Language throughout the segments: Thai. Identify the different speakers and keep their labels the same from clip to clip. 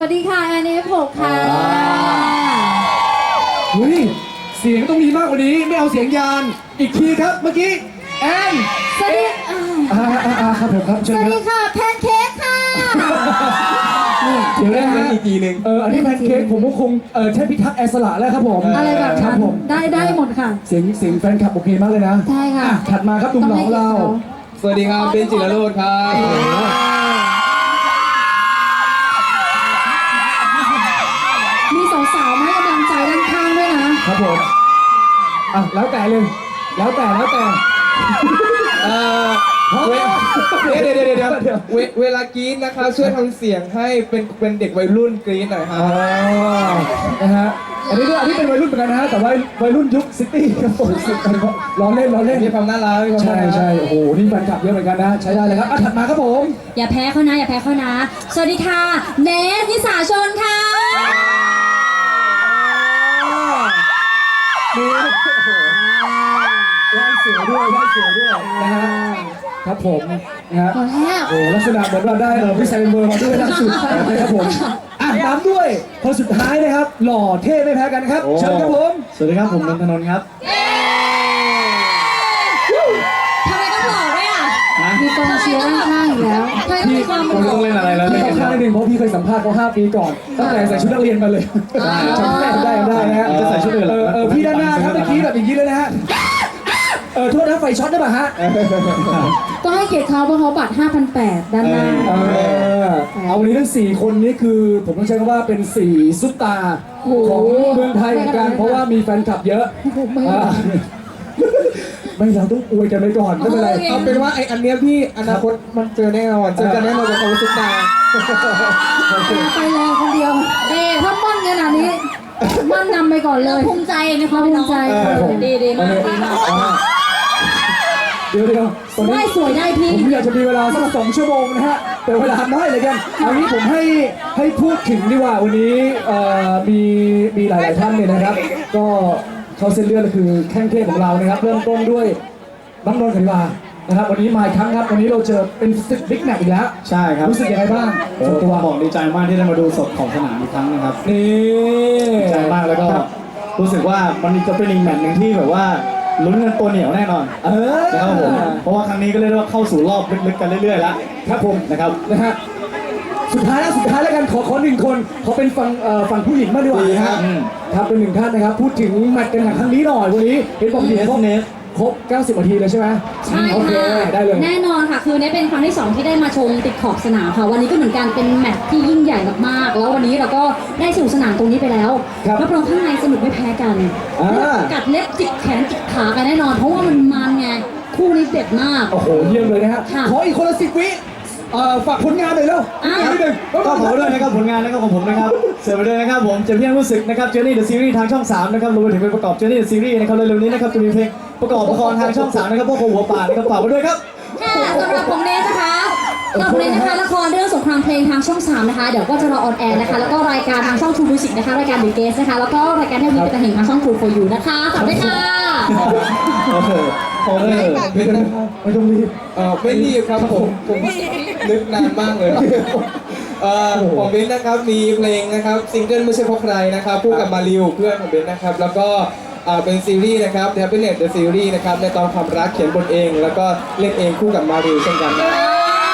Speaker 1: สวัสดีค่ะแอนF6ค่ะ
Speaker 2: เฮ้ยเสียงต้องมีมากกว่านี้ไม่เอาเสียงยานอีกทีครับเมื่อกี้แอน
Speaker 1: สวัสดี
Speaker 2: ครับผมครับ
Speaker 1: สวัสดีค่ะแพนเค้กค่ะ
Speaker 2: เดี๋ยวนะฮะ
Speaker 3: อีกทีหนึ่ง
Speaker 2: อันนี้แพนเค้กผมก็คงเทพพิทักษ์แอสละแล้วครับผม
Speaker 1: อะไรแบบ
Speaker 2: ครั
Speaker 1: นั้
Speaker 2: บ
Speaker 1: น
Speaker 2: ผม
Speaker 1: ได้หมดค่ะ
Speaker 2: เสียงแฟนคลับโอเคมากเลยนะ
Speaker 1: ใช่ค่ะ
Speaker 2: ถัดมาครับตุ้มหนองเรา
Speaker 3: สวัสดีครับเป็นจิรโรจน์ครับ
Speaker 1: มีสาวๆมาให้กำลังใจด้านข้างด้วยนะครับ
Speaker 2: ผมแล้วแต่เลยแล้วแต่
Speaker 3: เวลากรี๊ดนะครับช่วยทำเสียงให้เป็นเด็กวัยรุ่นกรี๊ดหน่อยครับ
Speaker 2: นะฮะอันนี้เป็นวัยรุ่นเหมือนกันนะฮะแต่ว่าวัยรุ่นยุคซิตี้ครับผมล้อเล่น
Speaker 3: มีความน่ารักมีความน่ารัก
Speaker 2: ใช่โอ้โหนี่แฟนคลับเยอะเหมือนกันนะใช้ได้เลยครับถัดมาครับผม
Speaker 1: อย่าแพ้เขานะสวัสดีค่ะเนสนิสาชนค่ะ
Speaker 2: นี่โอ้โหไหว้เสือด้วยนะฮะครับผมนะฮะ
Speaker 1: พอแล้ว
Speaker 2: โอ้ลักษณะเหมือนเราได้พี่ไซเบอร์มาด้วยล่าสุดนะครับผมตามด้วยคนสุดท้ายนะครับหล่อเท่ไม่แพ้กันครับเชิญครับผมสวัสดีครับผมนนทนนท์ครับ
Speaker 1: ทำไมต้องหล่อด้วยอ่ะมีกองเชียร์ด้านข้างอยู่แล้วใครต้องมีความหล่อ
Speaker 3: ต้องเล่นอะไรแล้ว
Speaker 2: พี่ต้องข้ามนิดนึงเพราะพี่เคยสัมภาษณ์เขา5 ปีก่อนตั้งแต่ใส่ชุดนักเรียนมาเลยจำได้นะฮะจะใส่ชุดอื่นพี่ด้านหน้าครับเมื่อกี้แบบอย่างนี้เลยนะฮะโทษนะไฟช็อตได้ป่ะฮะ
Speaker 1: ก็ให้เกียรติเขาเพราะเขาบัตร 5,800 ด้านหน้า
Speaker 2: เอาวันนี้ทั้ง4คนนี้คือผมต้องใช้คำว่าเป็น4ซุปตาของเมืองไทยเหมือนกันเพราะว่ามีแฟนคลับเยอะไม่เราต้องอวยกันไปก่อนไม่เป็นไร
Speaker 3: เอาเป็นว่าไอ้อันเนี้ยพี่อนาคตมันเจอแน่นอนเจอกันแน่นอนกับความรู้สึกตา
Speaker 1: ไปแล้วคนเดียวถ้ามั่นขนาดนี้มั่นนำไปก่อนเลยภูมิใจในความภูมิใจดีมาก
Speaker 2: เดี๋ยวตอนนี้
Speaker 1: ได้สวยได้พี่
Speaker 2: ผมอยากจะมีเวลาสัก2 ชั่วโมงนะฮะแต่เวลาน้อยเลยกันเอางี้ผมให้พูดถึงดีกว่าวันนี้มีหลายท่านเนี่ยนะครับก็เข้าเส้นเลือดคือแข้งเทพของเรานะครับเริ่มต้นด้วยน้องนนท์ขันวานะครับวันนี้มาอีกครั้งครับวันนี้เราเจอเป็นศึกบิ๊กแมตช์อีกแล้ว
Speaker 4: ใช่ครับ
Speaker 2: รู้สึกยังไงบ้าง
Speaker 4: ส่วนตัวบอกดีใจมากที่ได้มาดูสดของสนามอีกครั้งนะครับ
Speaker 2: นี่
Speaker 4: ดีใจมากแล้วก็รู้สึกว่ามันจะเป็นอีกแมตช์หนึ่งที่แบบว่าลุ้นกันตัวเหนียวแน่นอนนะครับผมเพราะว่าครั้งนี้ก็เรียกว่าเข้าสู่รอบลึกๆกันเรื่อยๆแล้ว
Speaker 2: ครับผม
Speaker 4: นะครับ
Speaker 2: นะฮะสุดท้ายแล้วกันขอ1 คนเขาเป็นฝั่งผู้หญิงมากดีกว่าครับเป็น1 ท่านนะครับพูดถึงแมตช์กันครั้งนี้หน่อยวันนี้เห็นบอกดีครบ90 นาทีเลยใช่ไหม
Speaker 1: ใช่
Speaker 2: ค่ะได้เลย
Speaker 1: แน่นอนค่ะคือนี่เป็นครั้งที่2ที่ได้มาชมติดขอบสนามค่ะวันนี้ก็เหมือนกันเป็นแมตช์ที่ยิ่งใหญ่มากๆแล้ววันนี้เราก็ได้สู่สนามตรงนี้ไปแล้วรับรองข้างในสนุกไม่แพ้กันกัดเล็บจิกแขนจิกขากันแน่นอนเพราะว่ามันไงคู่นี้เด็ดมาก
Speaker 2: โอ้โหเยี่ยมเลยนะฮะขออีกคนละ10 วิฝากผลงานหน่อยเร็วนิดนึง
Speaker 4: ก็ขอด้วยนะครับผลงานนะครับของผมนะครับเสริมไปด้วยนะครับผมจะเพียงรู้สึกนะครับ Journey the Series ทางช่อง 3นะครับรวมไปถึงเป็นประกอบ Journey the Series นะครับเร็วๆนี้นะครับจะมีเพลงประกอบละครทางช่อง 3นะครับพวกหัวป่านะครับฝากไว้ด้วยครับ
Speaker 1: สำหรับผมเนสนะคะละครเรื่องสงครามเพลงทางช่อง 3นะคะเดี๋ยวก็จะรอออนแอร์นะคะแล้วก็รายการทางช่อง True Music นะคะรายการ The Guest นะคะแล้วก็รายการเทปนี้เป็นการเห็นทางช่อง True for You นะคะฝากด้วยค่ะ
Speaker 3: ผม
Speaker 2: ไม่ต้องรีบ
Speaker 3: ไม่รีบครับผมนึกนานมากเลยของเบนซ์นะครับมีเพลงนะครับซิงเกิลไม่ใช่เพราะใครนะครับคู่กับมาริวเพื่อนของเบนซ์นะครับแล้วก็เป็นซีรีส์นะครับ Happiness The Series นะครับในตอนความรักเขียนบทเองแล้วก็เล่นเองคู่กับมาริวเช่นกันนะ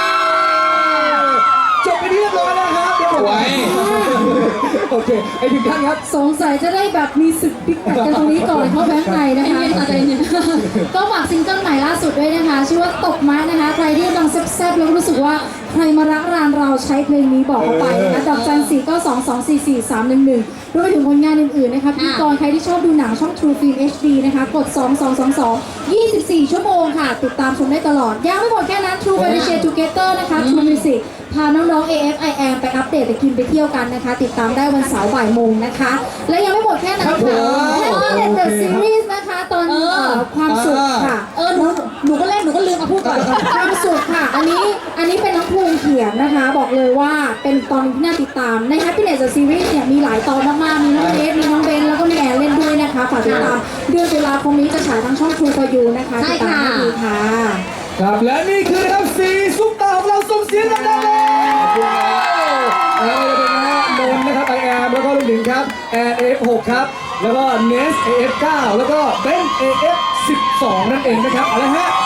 Speaker 2: จบไปที่เรียบร้อยแล้วครับเดี๋ยวผมโอเคไอ้ถึงท่านครับ
Speaker 1: สงสัยจะได้แบบมีศึกบิ๊กแมตช์กันตรงนี้ก่อนเข้าแบงค์ในนะคะก็ฝากซิงเกิลใหม่ล่าสุดด้วยนะคะชื่อว่าตกไม้นะคะใครที่กำลังแซ่บๆแล้วรู้สึกว่าใครมารักรานเราใช้เพลงนี้บอกเขาไปนะคะดอกจัน4 9 2 2 4 4 3 1 1รวมไปถึงผลงานอื่นๆนะคะพิธีกรใครที่ชอบดูหนังช่อง True Film HD นะคะกด2222 24 ชั่วโมงค่ะติดตามชมได้ตลอดยังไม่หมดแค่นั้น True Family Share Together นะคะ True Music พาน้องๆ AFIM ไปอัปเดตไปกินไปเที่ยวกันนะคะติดตามได้วันเสาร์บ่ายโมงนะคะและยังไม่หมดแค่นั้นค่ะ Happiness The Series นะคะตอนความสุขค่ะหนูก็เล่นหนูก็ลืมมาพูดก่อนความสุขค่ะอันนี้เป็นน้องภูมิเขียนนะคะบอกเลยว่าเป็นตอนที่น่าติดตามใน Happiness The Series เนี่ยมีหลายตอนมากๆมีน้องเนสมีน้องเบนแล้วก็มีแอนเล่นด้วยนะคะฝากติดตามเดือนตุลาคมนี้จะฉายทางช่อง True for You นะคะติดตามให้ดีค่ะ
Speaker 2: ครับและนี่คือนะครับ4ซุปตาของเราส่งเสียงดังๆเลยแล้วจะเป็นนะโนไปถึงครับแอน AF6 ครับแล้วก็ Nest AF9 แล้วก็เบน AF12 นั่นเองนะครับอะไรฮะ